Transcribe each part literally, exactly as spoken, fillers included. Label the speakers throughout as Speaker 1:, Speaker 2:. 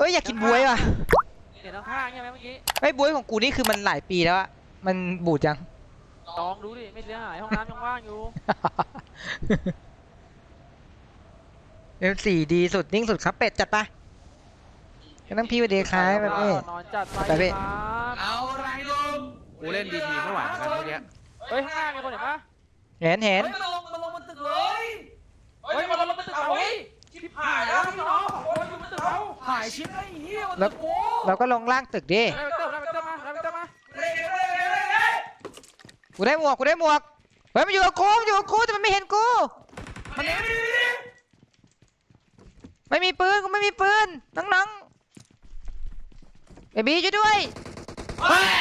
Speaker 1: อยากกินบวยว่ะ
Speaker 2: เห็นข้างๆใช่ไหมเมื่อกี้
Speaker 1: ไอ้บวยของกูนี่คือมันหลายปีแล้วอะมันบูดยัง
Speaker 2: ลองดูดิไม่เสียหายห้องน้ำยังว่างอยู่
Speaker 1: เอ็มสี่ดีสุดนิ่งสุดครับเป็ดจัดไปก็ต้องพี่ไปเดคายแบบนี้
Speaker 2: นอนจัด
Speaker 1: ไปพี่
Speaker 3: เอาไรลุงกูเล่นดีทีไม่ไหวเหมือนกันเมื่อกี้
Speaker 2: เฮ้ยข้างหน้ามีคนเห็นปะ
Speaker 1: เห็นเห็น
Speaker 3: มันลงมันลงมันตึกเลย
Speaker 2: เฮ้ยมันลงมันตึกเราเฮ้ยชิบหายแล้วพี่น้องโอ้ยมันตึกเรา
Speaker 3: หายชิบไอ้เหี้ยมันตึกกู
Speaker 1: เราก็ลงล่างตึกดิ
Speaker 2: ได้ไปเติมได้ไปเติมมาได้ไปเติมมา
Speaker 1: กูได้หมวกกูได้หมวกเฮ้ยมันอยู่กับกูมันอยู่กับกูแต่มันไม่เห็นกู
Speaker 3: มันเห็น
Speaker 1: ไม่มีปืนกูไม่มีปืนน้องๆเบบี้ช่วยด้วย
Speaker 3: เฮ้ย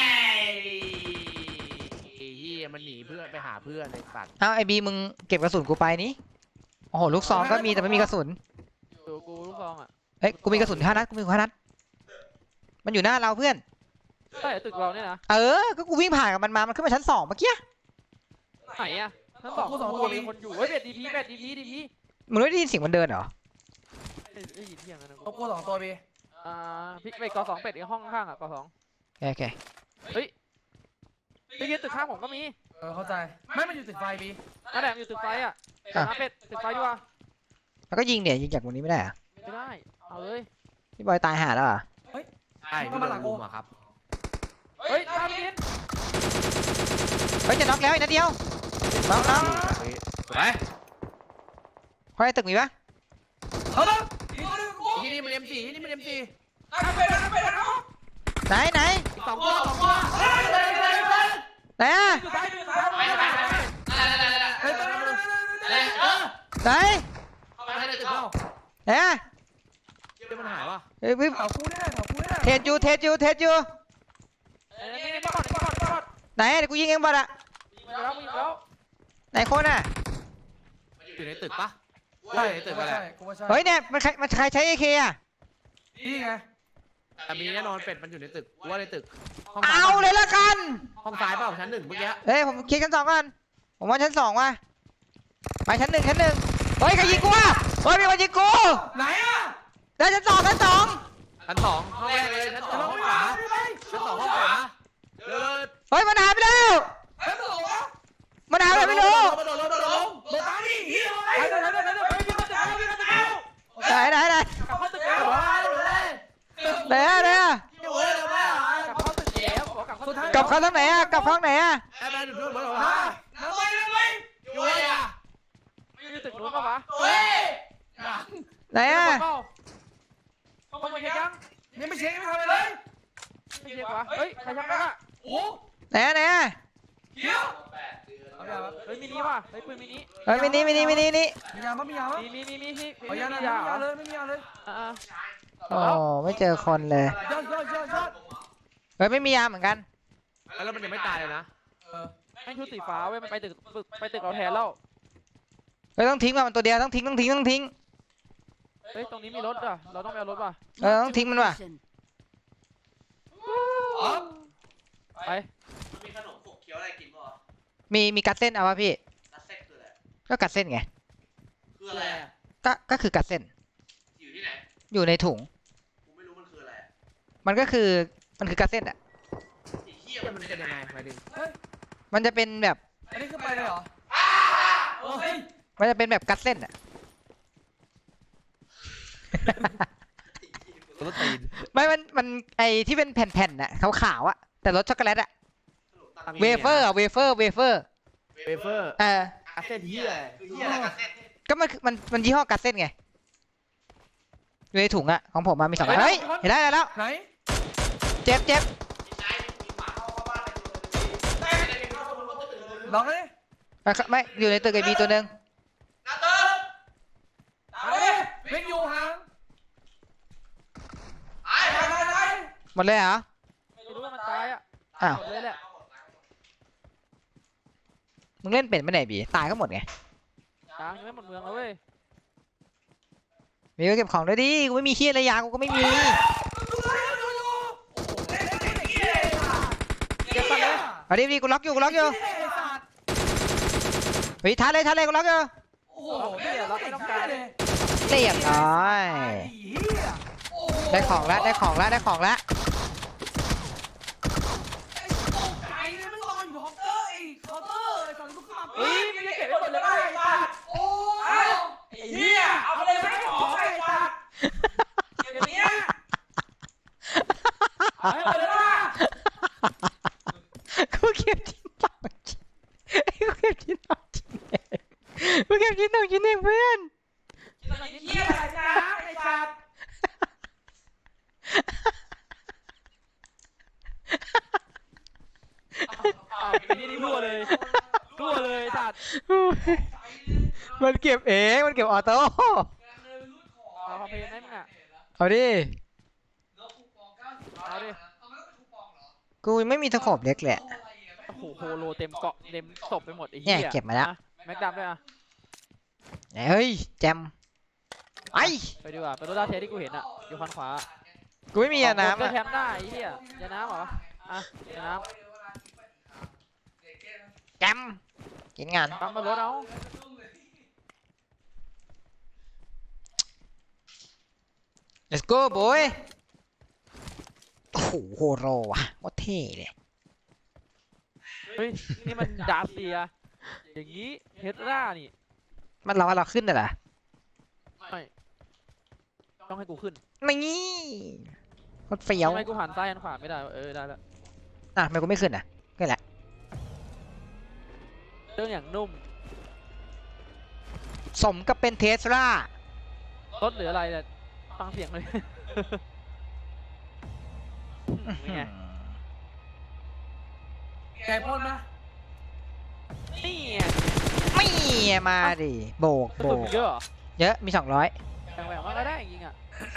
Speaker 3: เหี้ยมันหนีเพื่อนไปหาเพื่อนในสัตว์
Speaker 1: เอาไอบีมึงเก็บกระสุนกูไปนี่โอ้โหลูกซองก็มีแต่ไม่มีกระสุน
Speaker 2: ดูกูลูกซองอ่ะ
Speaker 1: เฮ้ยกูมีกระสุนห้านัดกูมีห้านัดมันอยู่หน้าเราเพื่อน
Speaker 2: ใช่ตึกเราเนี่ยนะ
Speaker 1: เออก็กูวิ่งผ่านกับมันมามันขึ้นมาชั้นสองเมื่อกี้
Speaker 2: ไหนอ่ะชั้นสองกูสองตัวมีคนอยู่เฮ้ยเบ็ดดีพีเบ็ดดีพีดีพี
Speaker 1: มึงไม่ได้ยินเสียงมันเดินเหรอ
Speaker 2: ได้ยินเสียงนะ
Speaker 3: กูสองตัวบี
Speaker 2: อ่าพี่เป็ดกอสองเป็ดอีกห้องข้างอ่ะกอสอง
Speaker 1: โอเค
Speaker 2: เฮ้ยไปยืนตึกข้างผมก็มี
Speaker 3: เออเข้าใจไม่มันอยู่ตึกไฟบี
Speaker 2: นั่นแหละอยู่ตึกไฟอ่ะมาเป็ดตึกไฟดีกว่า
Speaker 1: แล้วก็ยิงเนี่ยยิงจากตรงนี้ไม่ได้อะ
Speaker 2: ไม่ได้เอาเลย
Speaker 1: พี่บอยตายหาแล้วอ่ะ
Speaker 3: เฮ้ยใช่พี่มาหลังกูอะครับ
Speaker 2: เฮ้ยตามนิน
Speaker 1: เฮ้ยจะน็อกแล้วอีกนัดเดียวน็อกน็อก
Speaker 3: ไป
Speaker 1: พอไอ้ตึกมีปะ
Speaker 3: เขาต้องที่นี่มันเอ็มสี่ที่นี่มันเอ็มสี่
Speaker 1: ไหนไหน
Speaker 3: สองตัวสองตัว
Speaker 1: ไหนอะไหนไหนอะ
Speaker 3: มันหายวะ
Speaker 1: เฮ้ย
Speaker 3: เผากูได้เผากูได้
Speaker 1: เทสยูเทสยูเทสยูไหนเดี๋ยวกูยิงเองบอลอะไหนคนอะ
Speaker 3: อยู่ในตึกปะใช่ในตึกอะไร
Speaker 1: เฮ้ยเนี่ยมันใครมันใครใช้เอเคอะ
Speaker 3: นี่ไงแต่มีแน่นอนเป็ดมันอยู่ในตึกว่าในตึก
Speaker 1: เอาเลยละกัน
Speaker 3: ห้องซ้ายเปล่าชั้นหนึ่งเมื่อกี้
Speaker 1: เฮ้ยผมคิดชั้นสองก่อนผมว่าชั้นสองว่ะไปชั้นหนึ่งชั้นหนึ่งเฮ้ยใครยิงกูวะเฮ้ยมีคนยิงกู
Speaker 3: ไหนอะ
Speaker 1: ได้ชั้นสองชั้นสอง
Speaker 3: ชั้นสองห้องแรกเลยชั้นสองห้องขวาชั้นสองห้องขวา
Speaker 1: เฮ้ยมันหายไปแล้วมันหายไปไม่รู้ไหนไหนไหนไหนอะไหนอะกลับเข้าทางไหนอะกลับเข้าทางไหนอะ
Speaker 2: ตึกนู้นปะวะ
Speaker 1: ไหนอะ
Speaker 2: คนมาเช็คยัง
Speaker 3: นี่ไม่เช็คไม่ทำอะไรเลย
Speaker 2: ไม่เช็ควะเฮ้ยใครชักกันอะ
Speaker 3: โอ้
Speaker 1: ไหนอะไหนอะ
Speaker 3: เขียว
Speaker 2: เฮ้ยมินิว่ะเฮ้ยปืนมินิ
Speaker 1: เฮ้ยมินิมินิมินินี่
Speaker 3: มียามั้ยมียามั้ย
Speaker 2: มีมีมีมีที่
Speaker 3: มียาไม่มียาเลยไม่มียาเลย
Speaker 2: อ่า
Speaker 1: โอ้ไม่เจอคนเลย
Speaker 3: ยอดยอดยอดยอด
Speaker 1: เฮ้ยไม่มียาเหมือนกัน
Speaker 3: แล้วมันยังไม่ตายเลยนะ
Speaker 2: เออให้ชุดสีฟ้าเว้ยมันไปตึกไปตึกเราแทนแล้ว
Speaker 1: เฮ้ยต้องทิ้งมันตัวเดียวต้องทิ้งต้องทิ้งต้องทิ้ง
Speaker 2: เฮ้ยตรงนี้มีรถอ่ะเราต้องไปเอารถป่ะ
Speaker 1: เออต้องทิ้งมันว่ะ
Speaker 2: ไป
Speaker 3: มีขนมขบเคี้ยวอะไรกินป่ะ
Speaker 1: มีมีกัดเส้นเอาวะพี่
Speaker 3: กัดเส้นคืออะไร
Speaker 1: ก็กัดเส้นไง
Speaker 3: คืออะไรอ่ะ
Speaker 1: ก็ก็คือกัดเส้น
Speaker 3: อยู่ที่ไหน
Speaker 1: อยู่ในถุง
Speaker 3: กูไม่รู้มันคืออะไร
Speaker 1: มันก็คือมันคือกัดเส้นอ่ะ
Speaker 3: เหี้ยมันเป็นยังไงหมายถึง
Speaker 1: มันจะเป็นแบบ
Speaker 3: อันนี้คือไปเลยเหรอ
Speaker 1: มันจะเป็นแบบกัดเส้นอ่ะ
Speaker 3: รถตีน
Speaker 1: ไม่มันมันไอที่เป็นแผ่นๆน่ะขาวๆอ่ะแต่รสช็อกโกแลตอ่ะเวเฟอร์เวเฟอร์เวเฟอร์
Speaker 3: เวเฟอร์
Speaker 1: เออ
Speaker 3: กัดเส้นเหี้ยคือเหี้ยอะไรกัดเส้น
Speaker 1: ก็มันมันมันยี่ห้อกัดเส้นไงอยู่ในถุงอ่ะของผมมามีสองเฮ้ยเห็นได้แล้ว
Speaker 3: ไหน
Speaker 1: เจ็บเจ็บ
Speaker 3: ลองเลย
Speaker 1: ไม่อยู่ในตึกไอบีตัวหนึ่ง
Speaker 3: เพ่งอยู่ห่าง
Speaker 1: หมดเลยเหรอ
Speaker 2: ไม่รู้ว่ามันตายอ่ะ
Speaker 1: อ้าว
Speaker 2: เลยแหละ
Speaker 1: มึงเล่นเป็นไม่ไหนบีตายก็หมดไง
Speaker 2: ตายยังไม่หมดเมืองเลยเว้ย
Speaker 1: มีก็เก็บของด้วยดิกูไม่มีเฮียอะไรยากูก็ไม่มีเอาดิบีกูล็อกอยู่กูล็อกอยู่เฮ้ยท้าเลยท้าเลยกูล็อกอยู่
Speaker 2: โอ้โหพี่ล็อกไม่ต้องการเลย
Speaker 1: เรียบร้อย
Speaker 3: โอ้โห
Speaker 1: ได้ของแล้วได้ของแล้วได้ของแล้ว
Speaker 3: ไอ้เนี่ยมันรออยู่เคาน์เตอร์ไอ้เคาน์เตอร์ไอ้ตอนนี้กูขึ้นมา
Speaker 2: เฮ้ยไม่ได้เก็บไว้หมดเลยป่ะไอ้สัตว์โอ้ยไอ้เหี้ยเอาไปเลยไม่ของไอ้สัตว์เก็บอย่างเนี้ยเอาให้หมดเลยป่ะ
Speaker 1: กูเก็บชิ้นต่อชิ้นกูเก็บชิ้นต่อชิ้นเองกูเก็บชิ้นต่อชิ้นเองเพื่อน
Speaker 2: ไอ้เหี้ยอะไรนะไอ้สัตว์เอาไอ้นี่นี่รั่วเลยรั่วเลยสัตว์
Speaker 1: มันเก็บเองมันเก็บออโต้
Speaker 2: เอาคอมเพลนได้มั้งอ่ะ
Speaker 1: เอาดิ
Speaker 2: เอาดิ
Speaker 1: กูไม่มีตะขบเล็กแหละ
Speaker 2: โอ้โหโฮโลเต็มเกาะเต็มศพไปหมดไอ้
Speaker 1: เนี่
Speaker 2: เหี้
Speaker 1: ย
Speaker 2: ย
Speaker 1: เก็บมาแล้ว
Speaker 2: อ่ะแม็กดำด้วยอ่ะ
Speaker 1: ไหนเฮ้ยแจมไอ้
Speaker 2: ไปดีกว่าไปรถดาเทสที่กูเห็นอ่ะอยู่คันขวา
Speaker 1: กูไม่มียาน้ำ
Speaker 2: ก็
Speaker 1: อะ
Speaker 2: แคมป์ได้ไอ้เหี้ยยาน้ำเหรออ่ะยาน้
Speaker 1: แจมกินงาน
Speaker 2: ำปั๊มมารถเอา
Speaker 1: let's go boy โอ้โหโฮโรว่ะว่าเท่เลย
Speaker 2: เฮ้ยนี่มันดาเซียอย่างงี้เฮดร่านี่
Speaker 1: มันเราว่าเราขึ้นน่ะเหรอ
Speaker 2: ไม่ต้องให้กูขึ้น
Speaker 1: ไม่งี้รถเฟี้ยว
Speaker 2: ทำไมกูหันซ้ายหันขวาไม่ได้วะเออได้แล้ว
Speaker 1: อ่ะทำไมกูไม่ขึ้นอ่ะก็แหละ
Speaker 2: เรื่องอย่างนุ่ม
Speaker 1: สมกับเป็นเทสลาร
Speaker 2: ถหรืออะไรเนี่ยฟังเสียงเลยเป็นไง
Speaker 3: ไก่พ่นนะ
Speaker 2: นี่ไง
Speaker 1: ไม่มาดิโบก
Speaker 2: กระ
Speaker 1: โบ
Speaker 2: สุน
Speaker 1: ก
Speaker 2: เยอะเหรอ
Speaker 1: เยอะมีสองร้อย
Speaker 2: แบ่งแบ่งมาก็ได้จริงๆอ่ะ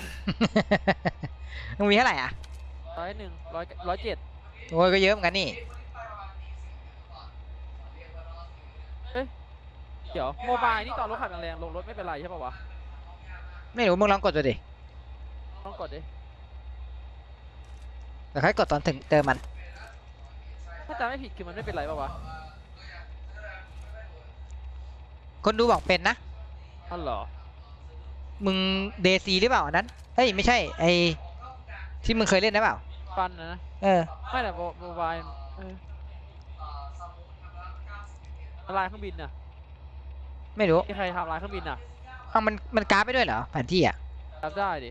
Speaker 1: มึงมีเท่าไหร่อ่ะ
Speaker 2: ร้อยหนึ่งร้อยร้อยเจ็ด
Speaker 1: โอ้ยก็เยอะเหมือนกันนี่
Speaker 2: เดี๋ยวโมบายนี่ตอนรถขับแรงๆลงรถไม่เป็นไรใช่ป่าวะ
Speaker 1: ไม่รู้มึงลองกดดูดิ
Speaker 2: ต้องกดดิ
Speaker 1: แต่ค่อยกดตอนถึงเติมมัน
Speaker 2: ถ้าจำไม่ผิดคือมันไม่เป็นไรป่าวะ
Speaker 1: คนดูบอกเป็นนะ
Speaker 2: อ๋อเหรอ
Speaker 1: มึงเดซีหรือเปล่าอันนั้นเฮ้ยไม่ใช่ไอที่มึงเคยเล่นนะเปล่า
Speaker 2: ฟันนะนะ
Speaker 1: เออ
Speaker 2: ไม่แต่โมบายเออลายเครื่องบินน่ะ
Speaker 1: ไม่รู้
Speaker 2: ที่ใครทำลายเครื่องบินน่ะ
Speaker 1: เอามันมันกราฟไปด้วยเหรอแผนที่อ่ะ
Speaker 2: รับได้ดิ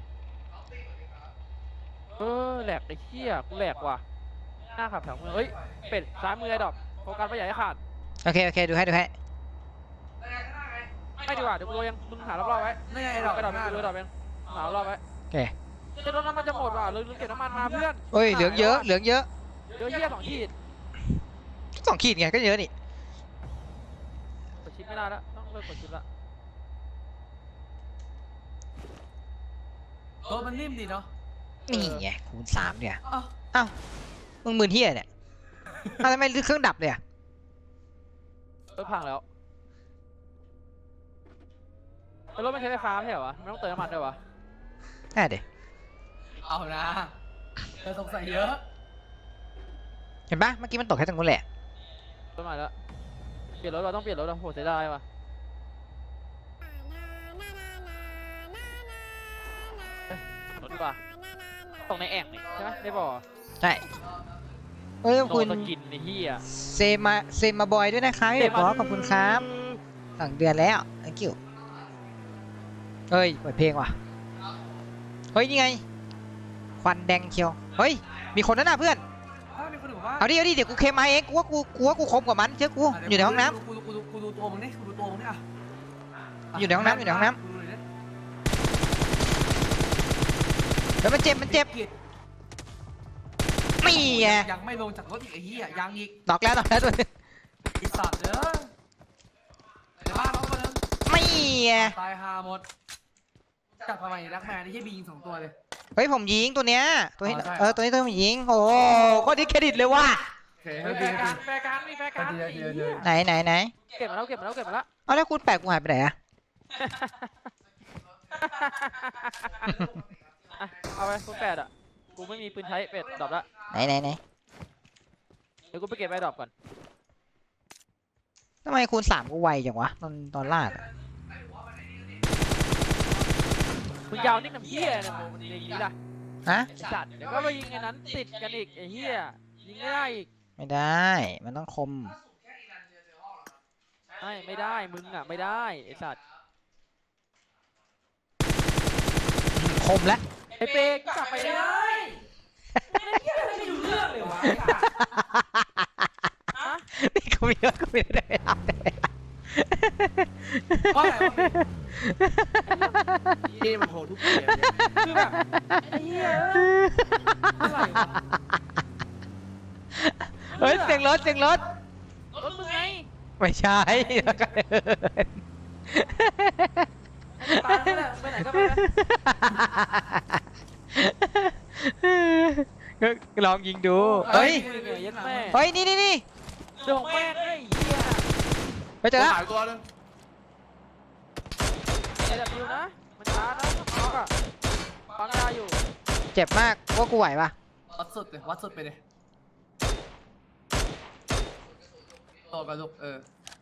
Speaker 2: เออแหลกไอ้เหี้ยกูแหลกว่ะหน้าขับแถวมือเฮ้ยเป็ดซ้ายมือไอ้ดอกโฟกัสไม่อยากให้ขาด
Speaker 1: โอเคโอเคดูให้ดูให้
Speaker 2: ไม่ดีกว่าเดี๋ยวกูโรยยังมึงหารอบๆไว้
Speaker 3: นี่ไง
Speaker 2: ไอ้
Speaker 3: ไอ้
Speaker 2: ด
Speaker 3: ด
Speaker 2: อ
Speaker 3: อก ก
Speaker 2: ไอ้ดอก
Speaker 3: หน้า
Speaker 2: มึงดูไอ้ดอกเองหารอบๆไว้
Speaker 1: โอเค
Speaker 2: เดี๋ยวรถน้ำมันจะหมดว่ะลืมลืมเก็บน้ำมันมาเพื่อน
Speaker 1: เอ้ยเหลืองเยอะเหลืองเยอะ
Speaker 2: เดี๋ยวเหี้ยสองขีด
Speaker 1: สองขีดไงก็เยอะนี่
Speaker 2: กดชิปไม่ได้แล้วต้องเลิกกดชิปละ
Speaker 3: ตัวมันนิ่มดีเนาะ
Speaker 1: นี่ไงคูณสามเนี่ย
Speaker 3: อ้าว
Speaker 1: เอ้ามึงมือเที่ยเนี่ยอ้าวทำไมเครื่องดับเลยอ่ะ
Speaker 2: รถพังแล้วแล้วรถไม่ใช้ไฟฟ้าไม่ใช่เหรอวะไม่ต้องเติมน้ำมันด้วยวะ
Speaker 1: แน่เด็
Speaker 3: เอานะเธอสงสัยเยอะ
Speaker 1: เห็นปะเมื่อกี้มันตกแค่ตรงนู้นแหละ
Speaker 2: รถใหม่แล้วเปลี่ยนรถเราต้องเปลี่ยนรถเราโหเสียดายว่ะรถดีกว่าตรงในแอ่งนี่ใช่ไหมได้บ่อ
Speaker 1: ใช่เอ้ยขอบ
Speaker 2: โด
Speaker 1: คุ
Speaker 2: น
Speaker 1: ณ
Speaker 2: สกินในที่อ่ะ
Speaker 1: เซมาเซมาบอยด้วยนะครับพี่เด็กบอสขอบคุณครับสั่งเดือนแล้ว thank you เฮ้ยเปิดเพลงว่ะเฮ้ยนี่ไงควันแดงเชียวเฮ้ยมีคนนั่นน่ะเพื่อน
Speaker 3: ถ้ามีคนอื่นบอกว่า
Speaker 1: เอาดิเอาดิเดี๋ยวกูเคมมาเองกูว่ากูกูว่ากูคมกว่ามันเชื่อกูอยู่ในห้องน้
Speaker 3: กูดูกูดูกูดูตัวมึงนี่กูดูตัวมึงนี่อ่ะ
Speaker 1: อยู่ในห้องน้ำอยู่ในห้องน้ำ
Speaker 3: ดูหน่อยดิ
Speaker 1: ำแล้วมันเจ็บมันเจ็บ
Speaker 3: กิด
Speaker 1: นี่ไง
Speaker 3: ยังไม่ลงจากรถอีกไอ้เหี้ยยังอีก
Speaker 1: ดอกแล้วดอกแล้วตัวนึง
Speaker 3: ไอ้สัตว์เด้อในบ้านเราคนนึง
Speaker 1: ไม่ไง
Speaker 3: ตายฮาหมดจับทำไมรักแมนไอ้เหี้ยบียิงสองตัวเลย
Speaker 1: เฮ้ยผมยิงตัวเนี้ยตัวนี้
Speaker 3: อ๋อใช่เหรอ
Speaker 1: เออตัวนี้ตัวผมยิงโอ้โหก็ดิเครดิตเลยว่ะ
Speaker 3: โอเค
Speaker 2: แฟร์การแฟร์การมีแฟร์การ
Speaker 3: เดี๋ยวเดี๋ยวเดี๋ยว
Speaker 1: ไหนไหนไหน
Speaker 2: เก็บมาแล้วเก็บมาแล้วเก็บมาแล้ว
Speaker 1: เอาแล้วคุณแปลกกูหายไปไหนอะ
Speaker 2: อ่ะเอาไปคุณแปดอ่ะกูไม่มีปืนใช้เป็ดดรอปละ
Speaker 1: ไหนไหนไหน
Speaker 2: เดี๋ยวกูไปเก็บไอ้ดรอปก่อน
Speaker 1: ทำไมคูณสามกูไวจังวะตอนตอนลาดอะ
Speaker 2: คุณยาวนี่น้ำเหี้ยเนี่ยมึงในนี้ล่ะ
Speaker 1: ฮะ
Speaker 4: ไอ้สัตว์เดี๋ยวก็ไปยิงไอ้นั้นติดกันอีกไอ้เหี้ยยิงไม่ได้อีก
Speaker 1: ไม่ได้มันต้องคม
Speaker 4: ไม่ไม่ได้มึงอ่ะไม่ได้ไอ้สัตว์
Speaker 1: คมแล้ว
Speaker 4: ไอ้เป๊กกลับไป
Speaker 2: ไม่
Speaker 4: เลย
Speaker 2: ได้ไม่เหี้ยอะไรไม่รู้เรื่องเลยวะฮะ
Speaker 1: นี่กูมีกูมีได้ไม่ได้
Speaker 2: ว่าอะไรวะ
Speaker 3: นี่มันโหดทุกเกมเนี่ย
Speaker 2: คือแบบไอ้เหี้ยอะไรวะ
Speaker 1: เฮ้ยเสียงรถเสียงรถ
Speaker 4: รถมึงไง
Speaker 1: ไม่ใช่แล้วก็เดิน
Speaker 4: ตายแล้วไปไหนก็ไปนะ
Speaker 1: ก็ลองยิงดูเฮ้ย
Speaker 4: เหนื่อยยัดแม่
Speaker 1: เฮ้ยนี่นี่นี่
Speaker 4: เดี๋ยวของแม่งไอ้เหี้ย
Speaker 1: ไปเจอแล้ว
Speaker 3: หายตัวนึง
Speaker 4: ไอ้ดับยูนะมันช้านะน็อกอ่ะฟังได้อยู่
Speaker 1: เจ็บมากว่ากูไหวปะ
Speaker 2: วัดสุดเลยวัดสุดไปเลยโตกับลูกเออ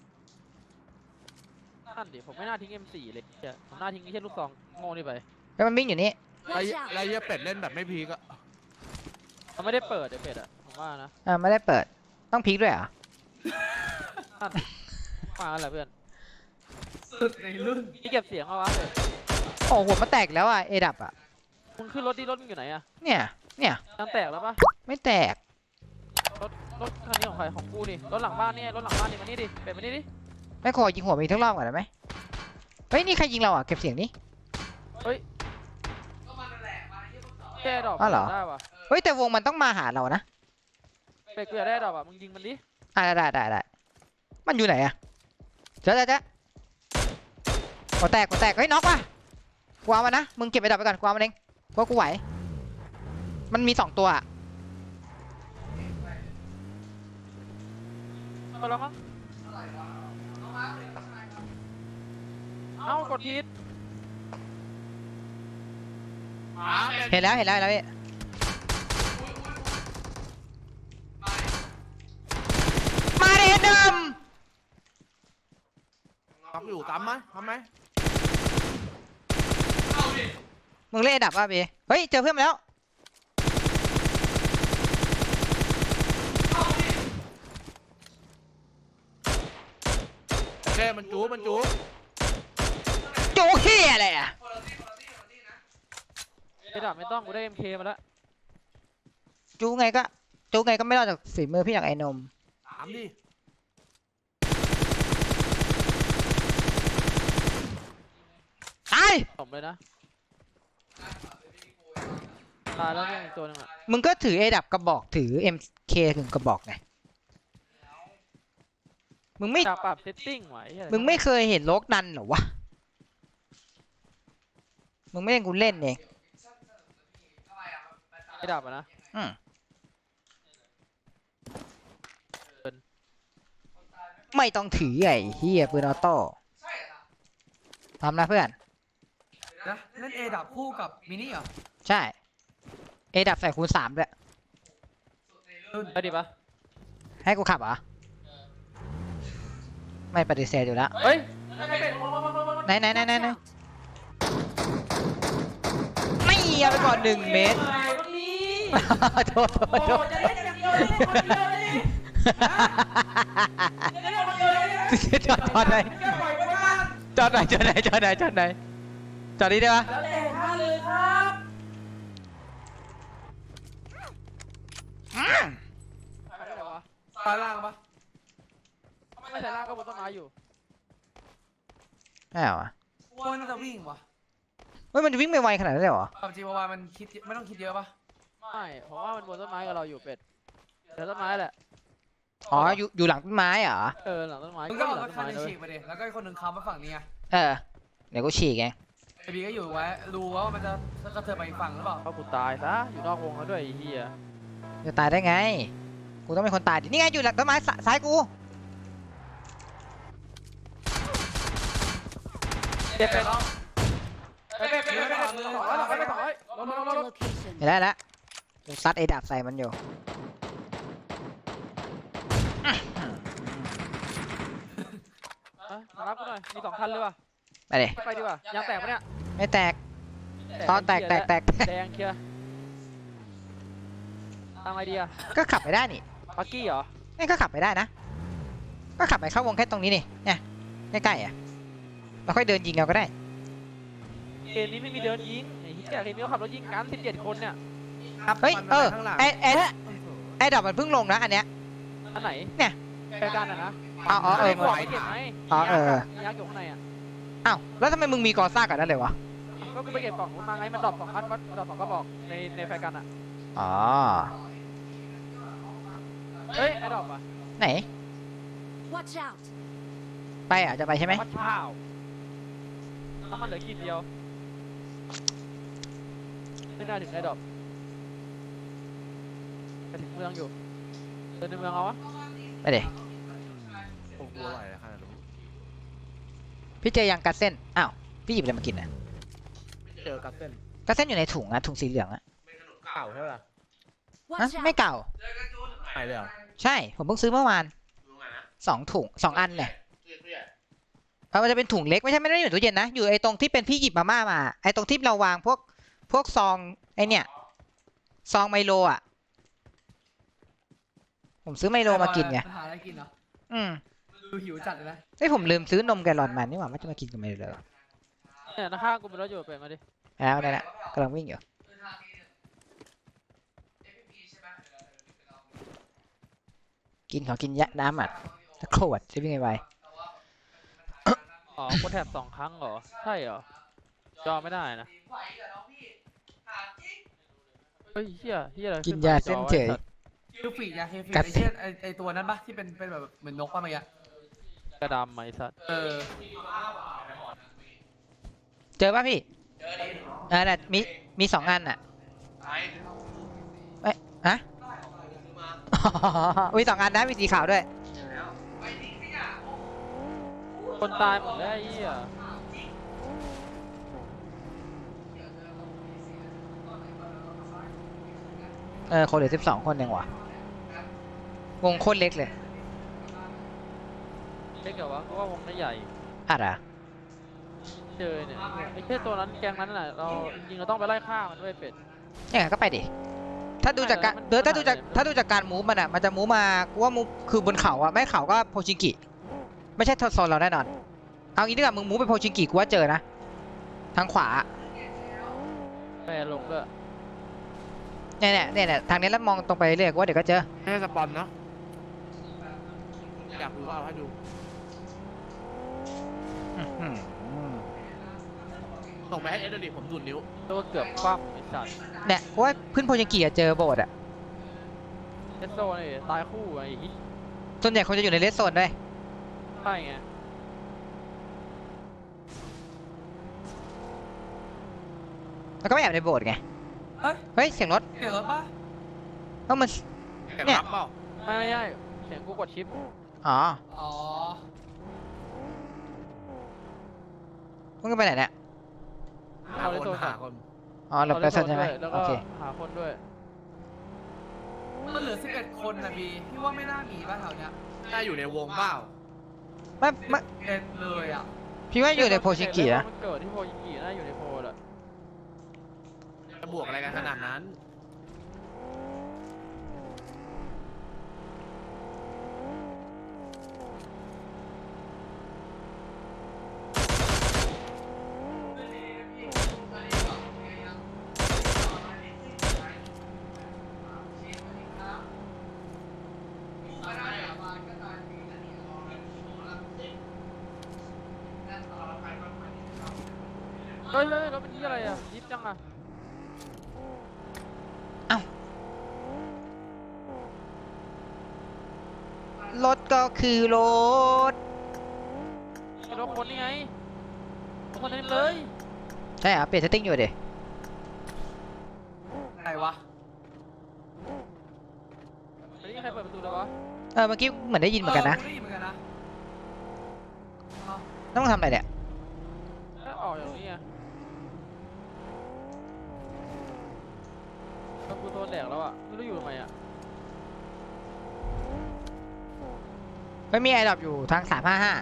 Speaker 4: นั่นดิผมไม่น่าทิ้ง เอ็ม โฟร์ เลยเหี้ยผมน่าทิ้งไอ้เหี้ยลูกซองโง่นี่ไป
Speaker 1: แล้วมันวิ่งอยู่นี่
Speaker 3: ไรไรเหี้ยเป็ดเล่นแบบไม่พีกอะ
Speaker 4: มันไม่ได้เปิดไอ้เป็ดอ่ะผมว่านะ
Speaker 1: อ่าไม่ได้เปิดต้องพลิกด้วยเหรอ
Speaker 4: นั่นมาแล้วแหละเพื่อน
Speaker 2: สุดในรุ่น
Speaker 4: พี่เก็บเสียงเอาวะเป็ด
Speaker 1: โอ้หัวมันแตกแล้วอ่ะเอดับอ่ะ
Speaker 4: มึงขึ้นรถดิรถมึงอยู่ไหนอ่ะ
Speaker 1: เนี่ยเนี่ย
Speaker 4: ยังแตกแล้วปะ
Speaker 1: ไม่แตก
Speaker 4: รถรถคันนี้ของใครของกูนี่รถหลังบ้านนี่รถหลังบ้านนี่มานี่ดิเป็ดมานี่ดิ
Speaker 1: ไม่ขอยิงหัวมีทั้งรอบก่อนได้ไหมเฮ้ยนี่ใครยิงเราอ่ะเก็บเสียงนี้
Speaker 4: แก้ดอก
Speaker 1: อ้าวเหรอ
Speaker 4: ได้ปะ
Speaker 1: เฮ้ยแต่วงมันต้องมาหาเรานะ
Speaker 4: เป็ดกูอยากได้ดอกอ่ะมึงยิงมันดิ
Speaker 1: อ่าได้ได้ได้มันอยู่ไหนอ่ะเจ๊ะเจ๊ะเจ๊ะหัวแตกหัวแตกเฮ้ยน็อกว่ะกูเอามานะมึงเก็บไอ้ดับไปก่อนกูเอามันเองเพราะกูไหวมันมีสองตัวอะ
Speaker 4: ไปแล้วมั้งเอ้ากดผิด
Speaker 3: หาเป็ด
Speaker 1: เห็นแล้วเห็นแล้วเห็นแล้วพี่มาดิเดิม
Speaker 3: น็อกอยู่ตามไหมทำไหม
Speaker 1: มึงเล่นไอ้ดับป่ะพี่เฮ้ยเจอเพื่อนมาแล้ว
Speaker 3: โอเคมันจูมันจู
Speaker 1: โจ๊กเฮียอะไรอ่ะ
Speaker 4: ไอ้ดับไม่ต้องกูได้ เอ็ม เค มาแล้ว
Speaker 1: จูไงก็จูไงก็ไม่รอดจากฝีมือพี่อย่างไอ้นม
Speaker 3: ถามดิ
Speaker 1: ตาย
Speaker 4: ผมเลยนะตายแล้วเนี่ยอีกตัวหนึงอ่ะ
Speaker 1: มึงก็ถือไอ้ดับกระบอกถือ เอ็ม เค ถึงกระบอกไงมึงไม่
Speaker 4: จากปรับเซตติ้งไว้เหี้ย
Speaker 1: มึงไม่เคยเห็นโลกนันเหรอวะมึงไม่เล่นกูเล่นเอง
Speaker 4: ไอ้ดับอ่ะนะ
Speaker 1: อืมไม่ต้องถือไอ้เฮียปืนออโต้ทำนะเพื่อน
Speaker 2: นะเล่นเอดับคู่กับมินิเหรอ
Speaker 1: ใช่ เอดับใส่คูณสามด้วย
Speaker 4: ไปดิปะ
Speaker 1: ให้กูขับเหรอ ไม่ปฏิเสธอยู่แล้ว
Speaker 4: เฮ้ย
Speaker 1: ไหนไหนไหนไหนไหนไม่เอาไปก่อนหนึ่งเมตร โทษโทษโทษ
Speaker 2: จะเล่นอย่างเดียวเลยคนเดียวเลยจะเล่นคนเดียวเลย
Speaker 1: จอดจอดไหน
Speaker 2: แค่ปล่อยไปบ้าน
Speaker 1: จอดไหนจอดไหนจอดไหนจอดไหนจอดนี้ได้ปะ
Speaker 2: แล้วแต่ท่านเลยครับ
Speaker 1: อืม
Speaker 4: ไปไหนวะ
Speaker 2: ตายล่างปะ
Speaker 4: ไม่ใส่ล่างก็บนต้นไม้อยู่
Speaker 1: ไม่เอาอะ
Speaker 2: ว่าน่าจะวิ่งวะ
Speaker 1: เฮ้ยมันวิ่งไปไวขนาดนั้นเลยเหรอ
Speaker 2: ความจริงว่ามันคิดไม่ต้องคิดเยอะปะ
Speaker 4: ไม่ผมว่ามันบนต้นไม้กับเราอยู่เป็ดเดี๋ยวต้นไม้แหละ
Speaker 1: อ๋ออยู่อยู่หลังต้นไม้เหรอ
Speaker 4: เออหลังต้นไม้
Speaker 2: มึง
Speaker 4: ก็
Speaker 2: ก็
Speaker 4: อ
Speaker 2: เอา
Speaker 4: ยู่หลัง
Speaker 2: ร
Speaker 4: ต้
Speaker 2: ถ
Speaker 4: น
Speaker 2: คัน
Speaker 4: ไม้
Speaker 2: นึง
Speaker 4: เลย
Speaker 2: ฉีกไปดิแล้วก็อีกคนหนึ่งค้ำมาฝั่งนี้ไง
Speaker 1: เออเดี๋ยวกูฉีกเอง
Speaker 2: ไอบีก็อยู่ไว้รู้ว่ามันจะกระเทือนไปอีกฝั่งหรือเปล่า
Speaker 4: เอากูตายซะอยู่นอกวงแล้วด้วยไอ้เหี้ย
Speaker 1: จะตายได้ไง กูต้องเป็นคนตายดินี่ไงอยู่หลังต้นไม้สซ้ายกู
Speaker 4: เจ็บเป็ด
Speaker 2: ไปไปไปไปไป
Speaker 4: สองร้อยสองร้อยไปสองร้อยลงลงลงลง
Speaker 5: Location.
Speaker 1: เห็นได้แล้วกูซัดไอ้ดาบใส่มันอยู่
Speaker 4: มารับกูหน่อยมีสองคันเลยว่ะ
Speaker 1: ไปเลย
Speaker 4: ไปดีกว่ายางแตกปะเนี่ย
Speaker 1: ไม่แตก ตอนแตกแตกแตก
Speaker 4: แดงเคลียร์ทางไอเดีย
Speaker 1: ก็ขับไปได้นี่
Speaker 4: ปักกี้เหรอ
Speaker 1: นี่ก็ขับไปได้นะ ก็ขับไปเข้าวงแค่ตรงนี้นี่เนี่ยใกล้ๆอ่ะเราค่อยเดินยิงเอาก็ได้
Speaker 4: เกมนี้ไม่มีเดินยิงไอ้เหี้ยเกมนี้เขาขับรถยิงกันสิบเจ็ดคนเนี่ย
Speaker 3: ครับ
Speaker 1: เฮ้ย
Speaker 3: มัน
Speaker 1: เออ
Speaker 3: ข้างหลัง
Speaker 1: ไอไอไอดอกมันเพิ่งลงนะอันเนี้ย
Speaker 4: อันไหน
Speaker 1: เนี่ย
Speaker 4: แฟร์กันอ่ะนะ
Speaker 1: อ๋ออ๋อเออ
Speaker 4: ไม่บอกไม่เก็บไหม
Speaker 1: อ๋อเออ
Speaker 4: มียักษ์อยู่ข้างในอ่ะ
Speaker 1: อ้าวแล้วทำไมมึงมีกอซ่ากับนั่นเลยวะ
Speaker 4: ก็กูไปเก็บกล่องนู้นมาไงมันดรอปสองอันมันดรอปสองก็บอกในในแฟร์กันอ่ะ
Speaker 1: อ๋อ
Speaker 4: เฮ้ยไอ้ดรอปอ่ะ
Speaker 1: ไหน
Speaker 5: Watch out!
Speaker 1: ไปอ่ะจะไปใช่ไหม
Speaker 4: วัดข้าวน้ำมันเหลือขีดเดียวไม่น่าถึงไอ้ดรอปไปถึงเมืองอยู่เดินในเมืองเอาวะ
Speaker 1: ไปเดี๋ย
Speaker 3: โอ้โหไหวแล้วขนาดนี้
Speaker 1: พี่เจอยังกัดเส้นอ้าวพี่หยิบอะไรมากินอ่ะ
Speaker 3: เจอกับเส้น
Speaker 1: กัดเส้นอยู่ในถุงอะถุงสีเหลืองอะ
Speaker 3: เก่าใช่ปะล่ะ
Speaker 1: ฮะ
Speaker 5: Watch
Speaker 1: ไม่
Speaker 5: out!
Speaker 1: เก่า
Speaker 3: หายเลยเหรอ
Speaker 1: ใช่ผมเพิ่งซื้อเมื่อวานสองถุงสองอันเนี่ยเพราะมันจะเป็นถุงเล็กไม่ใช่ไม่ได้อยู่ในตู้เย็นนะอยู่ไอ้ตรงที่เป็นพี่หยิบมาม่ามาไอ้ตรงที่เราวางพวกพวกซองไอ้เนี่ยซองไมโลอ่ะผมซื้อไมโลมากินไง
Speaker 2: หาอะไรกินเหรอ
Speaker 1: อืม
Speaker 2: ดูหิวจัดเลยนะ
Speaker 1: เอ้ยผมลืมซื้อนมแกลลอนมานี่หว่าไม่จะมากินกับไมโลเลย
Speaker 4: เนี่ยนะข้างกูเป็นรถอยู่ไปมาดิ
Speaker 1: แล้วนั่นแหละกำลังวิ่งอยู่กินขอกินยะน้ำอ่ะตะโขวดจะวิ่งไว
Speaker 4: อ๋อกูแถบสองครั้งเหรอใช่เหรอจอไม่ได้นะเฮ้ยเฮียเฮียอะไร
Speaker 1: ๆกินยาเส้นเฉย
Speaker 2: คิวฟีดยาเคฟี
Speaker 1: กั
Speaker 2: ด
Speaker 1: ด
Speaker 2: ไอ้เชี่ยไอ้ไอ้ตัวนั้นปะที่เป็นเป็นแบบเหมือนนกปะเมื่อกี้
Speaker 4: กระดำไหมสัตว์
Speaker 2: เออ
Speaker 1: เจอป่ะพี่เออน่ะมีมีสองอันอ่ะเอ้ยฮะ มีสองอันนะมีสีขาวด้วย
Speaker 4: คนตายหมดแล้วไอ้เหี้ย
Speaker 1: เออคนเหลือสิบสองคนเองว่ะวงโคตรเล็กเลย
Speaker 4: เล็กเหรอวะกูว่าวงน่าใหญ่
Speaker 1: อะไรอะ
Speaker 4: เจอเนี่ยไอ้แค่ตัวนั้นแกงนั้นน่ะเราจริงๆเราต้องไปไล่ฆ่ามันด้วยเป็ด
Speaker 1: ยังไงก็ไปดิถ้าดูจากการ
Speaker 4: มัน
Speaker 1: เดี๋ยวถ้าดูจาก
Speaker 4: มัน
Speaker 1: ถ้าดูจากการมูฟมันอ่ะมันจะมูฟมากูว่ามูฟคือบนเขาอ่ะไม่เขาก็โพชิงกิไม่ใช่โซนเราแน่นอนเอางี้ดีกว่ามึงมูฟไปโพชิงกิกูว่าเจอนะทางขวา
Speaker 4: แปรลงด้วย
Speaker 1: เนี่ยเนี่ยเนี่ยเนี่ยทางนี้แล้วมองตรงไปเรื่อยกูว่าเดี๋ยวก็เจอ
Speaker 3: ไม่ใช่สปอนเนาะอยากดูก็เอาให้ดู
Speaker 1: อื้อหือ
Speaker 3: ส่งไปให้เอ็ดดิผมดูดนิ้ว
Speaker 4: ตัวเกือบคว่ำไอ้สัตว์
Speaker 1: เนี่ยกูว่าขึ้นโพชิงกิอะเจอโบสถ์อ่ะ
Speaker 4: เอสโซนี่ตายคู่ไอ้ฮิ
Speaker 1: ส่วนใหญ่คนจะอยู่ในเลสโซนด้วย
Speaker 4: ใช่ไง
Speaker 1: แล้วก็ไม่แอบในโบสถ์ไง
Speaker 2: เฮ้ย
Speaker 1: เฮ้ยเสียงรถ
Speaker 2: เดี๋ยวปะ
Speaker 1: เอ้ามัน
Speaker 3: แข่ง
Speaker 1: เนี่ย
Speaker 3: รับเปล่า
Speaker 4: ไม่ไม่ใช่เสียงกูกดชิป
Speaker 1: อ๋อ
Speaker 2: อ๋อ
Speaker 1: มึงก็ไปไหนเนี่ย
Speaker 3: หาคนหาคน
Speaker 1: อ๋อหลบเลสโซนใช่ไหม
Speaker 4: แล้ว
Speaker 1: โอ
Speaker 4: ก็
Speaker 1: เค
Speaker 4: หาคนด้วย
Speaker 2: มันเหลือสิบเอ็ดคนนะบีพี่ว่าไม่น่ามีบ้านแถวเนี้ย
Speaker 3: น่าอยู่ในวงเปล่า
Speaker 1: ไม่ไม่
Speaker 2: เอ็ดเลยอ่ะ
Speaker 1: พี่ว่าอยู่ในโพชิงกินะ
Speaker 4: มันเกิดที่โพชิงกิน่าอยู่ในโพลอะ
Speaker 3: จะบวกอะไรกันขนาดนั้น
Speaker 4: เฮ้ยเฮ้ยรถเป็นที่อะไรอ่ะยิบจังอ่ะ
Speaker 1: รถก็คือรถ
Speaker 4: ไอ้รถคนนี่ไงรถคนนี้เลย
Speaker 1: ใช่เหรอเปลี่ยนเซตติ้งอยู่ดิ
Speaker 2: ไหนวะ
Speaker 4: ไม่ได้ใครเปิดประตูแล้ววะ
Speaker 1: เออเมื่อกี้เหมือนได้ยินเหมือนกันนะ
Speaker 2: ได้ยินเหมือนกันนะ
Speaker 1: ต้องทำอะไรเนี่ย
Speaker 4: เอ้ยออกอย่างนี้ไงแล้วกูโดนแดกแล้วอ่ะไม่รู้อยู่ทำไมอ่ะ
Speaker 1: ไม่มีไอดอปอยู่ทางสามห้าห้า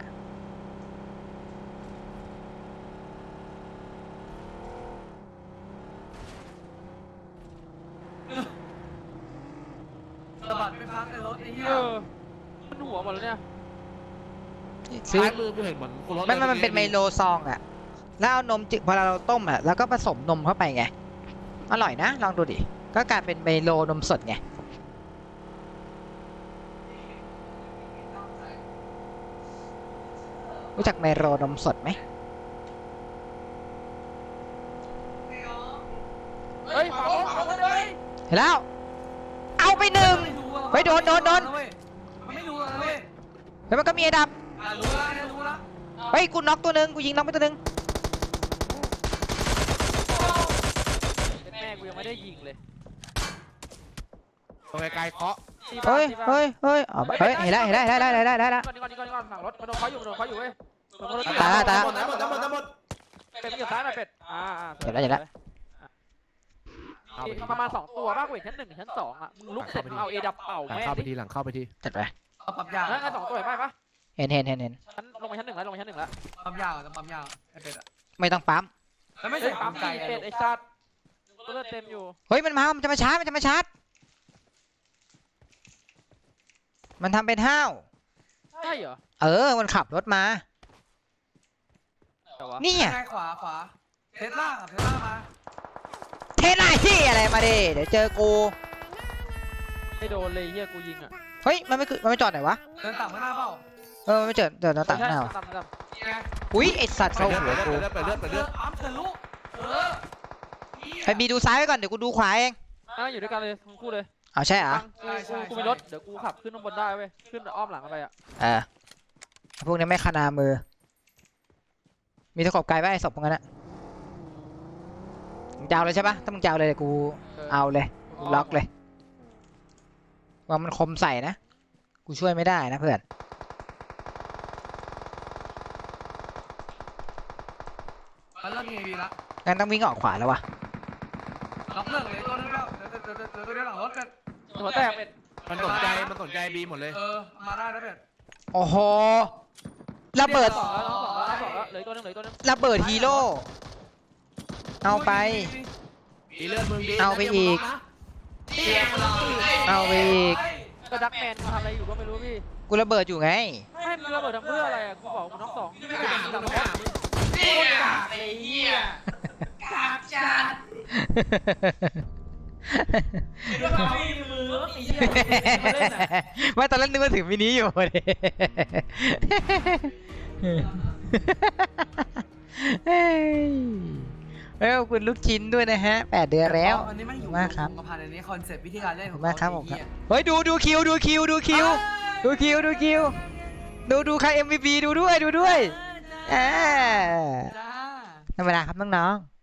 Speaker 3: สะบัดไม่พักในรถไอ้เหี้ย
Speaker 4: เออมันหัวหมดแล้วเนี่ย
Speaker 1: ซื้อ
Speaker 3: ซ้ายมือกูเห็นเหมือนกูรถ
Speaker 1: ไม่ไม่มันเป็นไมโลซองอะแล้วเอานมจืดพอเราต้มอะแล้วก็ผสมนมเข้าไปไงอร่อยนะลองดูดิก็กลายเป็นไมโลนมสดไงรู้จักไมโลนมสดไหม
Speaker 4: เฮ้ยขวาบนขวาบนเลย
Speaker 1: เห็นแล้ว เอาไปหนึ่ง เฮ้ยโดนโดนโดน
Speaker 3: มันไม่รู้เลยเว้ย
Speaker 1: แล้วมันก็มีไอ้ดับ
Speaker 3: อ่ะรู้แล้วเนี่ยรู้แล้ว
Speaker 1: เฮ้ยกูน็อกตัวหนึ่งกูยิงน็อกไปตัวหนึ่ง
Speaker 4: แม่กูยังไม่ได้ยิงเลย
Speaker 3: ตรงไกลๆเคาะ
Speaker 4: ตีบ้า
Speaker 1: เฮ้ย
Speaker 4: ตีบ้า
Speaker 1: เฮ้ยเฮ้ยอ๋อเฮ้ยเห็นแล้วเห็นแล้วเห็นแล้วเห็นแล้วเห็นแล้วเห็นแล้ว
Speaker 4: ก่อนนี่ก่อนนี่ก่อนนี่ก่อนฝั่งรถมันโดนเขาอยู่มันโดนเขาอยู่เว้ยมันโดนเขา
Speaker 1: ตายละตายละ
Speaker 3: หมดแล้วหมดแล้วหมดแล้วหมด
Speaker 4: เป็ดเกี่ยวซ้ายหน่อยเป็ดอ่าอ่า
Speaker 1: เห็นแล้วเห็นแล้ว
Speaker 3: เอาไปดิ
Speaker 4: ประมาณสองตัวมากกว่าชั้นหนึ่งชั้นสองอ่ะมึงลุกเสร็จมึงเอาเอดับเป่า
Speaker 3: หลัง
Speaker 4: แม่
Speaker 3: เข้าไป
Speaker 4: ดิ
Speaker 3: ทีหลังเข้าไปที
Speaker 1: จัดไป
Speaker 3: เอาปั๊มยาว
Speaker 4: แล้วงั้นสองตัวเห็นไหมปะ
Speaker 1: เห็นเห็นเห็นเห็น
Speaker 4: ชั้นลงไปชั้นหนึ่งแล้วลงไปชั้นหนึ่งแล้ว
Speaker 3: ปั๊มยาวจะปั๊มยาวไอ้เป็ดอะ
Speaker 1: ไม่ต้องปั๊ม
Speaker 3: แล้วไม่
Speaker 4: เฮ้
Speaker 3: ใช่
Speaker 4: ยปั๊
Speaker 3: ปั๊
Speaker 4: ม
Speaker 3: ม
Speaker 4: ไก่
Speaker 3: ไก่
Speaker 4: เป็ดไอ้สัตว์เลือดเต็มอยู่
Speaker 1: เฮ้ยมันมามันจะมาชาร์จมันจะมาชาร์จมันทำเป็นห้าว
Speaker 4: ใช่เหรอ
Speaker 1: เออมันขับรถมา
Speaker 4: แต่ว่า
Speaker 1: นี่อ่ะ
Speaker 3: ใช่ขวาขวาเทสลาเทสลามา
Speaker 1: เทสลาที่อะไรมาดิเดี๋ยวเจอกู
Speaker 4: ไม่โดนเลยเฮียกูยิงอ่ะ
Speaker 1: เฮ้ยมันไม่คือมันไม่จอดไหนวะ
Speaker 3: เดินต่ำข้างหน้าเปล่า
Speaker 1: เออมันไม่เจอเจอหน้าต่างหน้าวะ
Speaker 4: ตามตาม
Speaker 3: นี่ไง
Speaker 1: อุ้ยไอสัตว์เข้าหัวกู
Speaker 3: เลือดไปเลือดไปเลือด
Speaker 2: ปั๊มทะลุเออ
Speaker 1: ไปบีดูซ้ายไว้ก่อนเดี๋ยวกูดูขวาเอง
Speaker 4: อ่ะอยู่ด้วยกันเลยทั้งคู่เลย
Speaker 1: เอาใช่เหรอ
Speaker 4: ฟังกูกูกูมีรถเดี๋ยวกูขับขึ้นข้างบนได้เว้ยขึ้นอ้อมหลังกันไปอ่ะ
Speaker 1: เออพวกนี้ไม่คนามือ มีตะขบไกลไว้ไอ้ศพพวกนั้นอะมึงจะเอาเลยใช่ปะถ้ามึงจะเอาเลยเดี๋ยวกูเอาเลยกูล็อกเลยว่ามันคมใส่นะกูช่วยไม่ได้นะเพื่อน
Speaker 3: มันเริ่มมีวีละ
Speaker 1: งั้นต้องวิ่งออกขวาแล้ววะ
Speaker 3: ล็อกเลิกเลยตัวนึงแล้วเดี๋ยวเดี๋ยวเดี๋ยวเดี๋ยวตัวเดียวหลังรถเป็ด
Speaker 4: หัวแตกเป็ด
Speaker 3: มันสนใจมันสนใจบีหมดเลยเออมาได้แล้วเป็ด
Speaker 1: โอ้โหระเบิด
Speaker 4: สองแล้วน้องสองแล้วน้องสองแล้วเหลือตัวนึงเหลือตัวนึง
Speaker 1: ระเบิดฮีโร่เอาไป
Speaker 3: ดีเลือดมึงดี
Speaker 1: เอาไปอีก เอาไปอีก
Speaker 4: ก็ดักแมนทำอะไรอยู่ก็ไม่รู้พี่
Speaker 1: กูระเบิดอยู่ไง
Speaker 4: ไม่มึงระเบิดทำเพื่ออะไรอ่ะกูบอกมึงน้องสองไม่ได้ยิงดังรถ
Speaker 2: นี่กากไอ้เหี้ยกากจัดแล้วก็ไม่มีมือแล้วไอ้เหี้ยมาเล่นอ่ะ
Speaker 1: ไม่ตอนแรกนึกว่าถึงมินิอยู่เลยเฮ้ยเอ้ยขอบคุณลูกชิ้นด้วยนะฮะแปดเดือนแล้ว
Speaker 3: อันนี้ไม่อยู่
Speaker 1: มากครับ
Speaker 3: กับพันอันนี้คอนเซ็ปต์วิธีการเล่น
Speaker 1: ข
Speaker 3: ข
Speaker 1: อ
Speaker 3: อบ ง
Speaker 1: คุณมากครับผมครับ
Speaker 3: ไอ้เหี้ย
Speaker 1: เฮ้ยดูดูคิวดูคิวดูคิวดูคิวดูคิวดูดูใคร เอ็ม วี พี ดูด้วยดูด้วยอ่า
Speaker 3: จ้า
Speaker 1: ธรรมดาครับน้องๆ